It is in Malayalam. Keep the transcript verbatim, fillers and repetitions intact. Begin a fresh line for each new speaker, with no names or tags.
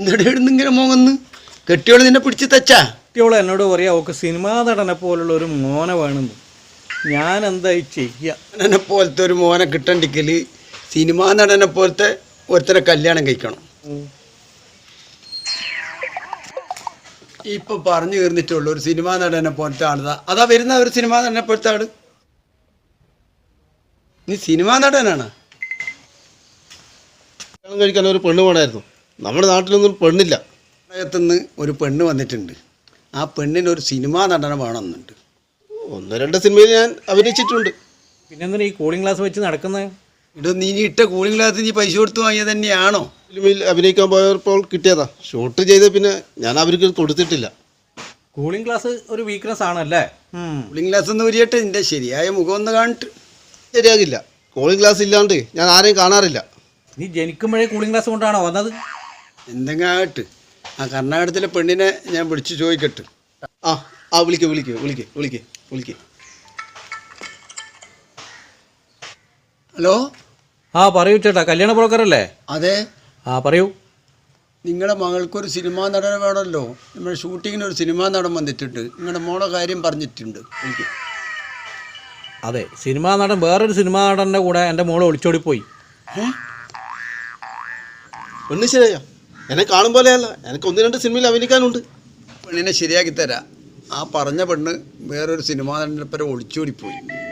ഇങ്ങനെ മോങ്ങന്ന് കെട്ടിയോള് നിന്നെ പിടിച്ച് തച്ചാ?
കെട്ടിയോള് എന്നോട് പറയാ ഓക്ക് സിനിമാ നടനെ പോലുള്ള ഒരു മോനെ വേണമെന്ന്. ഞാൻ എന്തായി ചെയ്യുക?
നടനെ പോലത്തെ ഒരു മോനെ കിട്ടണ്ടെങ്കിൽ സിനിമാ നടനെ പോലത്തെ ഒരുത്തരെ കല്യാണം കഴിക്കണം. ഇപ്പൊ പറഞ്ഞു തീർന്നിട്ടുള്ളൂ ഒരു സിനിമാ നടനെ പോലത്തെ ആളതാ. അതാ വരുന്ന ഒരു സിനിമാ നടനെ പോലത്തെ ആള്. നീ സിനിമാ നടനാണ്?
കല്യാണം കഴിക്കാൻ ഒരു പെണ്ണ് വേണമായിരുന്നു. നമ്മുടെ നാട്ടിലൊന്നും പെണ്ണില്ല.
പ്രളയത്തുനിന്ന് ഒരു പെണ്ണ് വന്നിട്ടുണ്ട്. ആ പെണ്ണിന് ഒരു സിനിമാ നടനെ വേണമെന്നുണ്ട്.
ഒന്ന് രണ്ട് സിനിമയിൽ ഞാൻ അഭിനയിച്ചിട്ടുണ്ട്.
പിന്നെന്തിനാ ഈ കൂളിംഗ് ഗ്ലാസ് വെച്ച് നടക്കുന്നത്?
ഇടോ, നീ ഇട്ട കൂളിംഗ് ഗ്ലാസ് നീ പൈസ കൊടുത്ത് വാങ്ങിയത് തന്നെയാണോ?
ഫിലിമിൽ അഭിനയിക്കാൻ പോയപ്പോൾ കിട്ടിയതാ. ഷൂട്ട് ചെയ്ത പിന്നെ ഞാൻ അവർക്ക് കൊടുത്തിട്ടില്ല.
കൂളിംഗ് ഗ്ലാസ് ഒരു വീക്ക്നെസ് ആണല്ലേ?
കൂളിംഗ് ഗ്ലാസ് ഒന്ന് ഉരിയട്ടെ, നിന്റെ ശരിയായ മുഖം ഒന്ന് കാണിട്ട്.
ശരിയാകില്ല. കൂളിംഗ് ഗ്ലാസ് ഇല്ലാണ്ട് ഞാൻ ആരെയും കാണാറില്ല.
നീ ജനിക്കുമ്പോഴേ കൂളിംഗ് ഗ്ലാസ് കൊണ്ടാണോ വന്നത്?
എന്തെങ്കിലും ആകട്ടെ, ആ കർണാടകത്തിലെ പെണ്ണിനെ ഞാൻ വിളിച്ച് ചോദിക്കട്ടെ.
ആ ആ വിളിക്കേ വിളിക്കേ വിളിക്കേ വിളിക്കേ വിളിക്കേ
ഹലോ.
ആ പറയൂ ചേട്ടാ, കല്യാണ ബ്രോക്കറല്ലേ?
അതെ.
ആ പറയൂ.
നിങ്ങളുടെ മകൾക്കൊരു സിനിമാ നടനെ വേണമല്ലോ. നമ്മുടെ ഷൂട്ടിങ്ങിന് ഒരു സിനിമാ നടൻ വന്നിട്ടുണ്ട്. നിങ്ങളുടെ മോളെ കാര്യം പറഞ്ഞിട്ടുണ്ട്. എനിക്ക്
അതെ, സിനിമാ നടൻ വേറൊരു സിനിമാ നടൻ്റെ കൂടെ എൻ്റെ മോള് ഒളിച്ചോടിപ്പോയി.
പെണ്ണ് ശരിയാ? എന്നെ കാണും പോലെയല്ല, എനിക്ക് ഒന്ന് രണ്ട് സിനിമയിൽ അഭിനയിക്കാനുണ്ട്.
പെണ്ണിനെ ശരിയാക്കി തരാം. ആ പറഞ്ഞ പെണ്ണ് വേറൊരു സിനിമാ നടനെ ഒളിച്ചോടിപ്പോയി.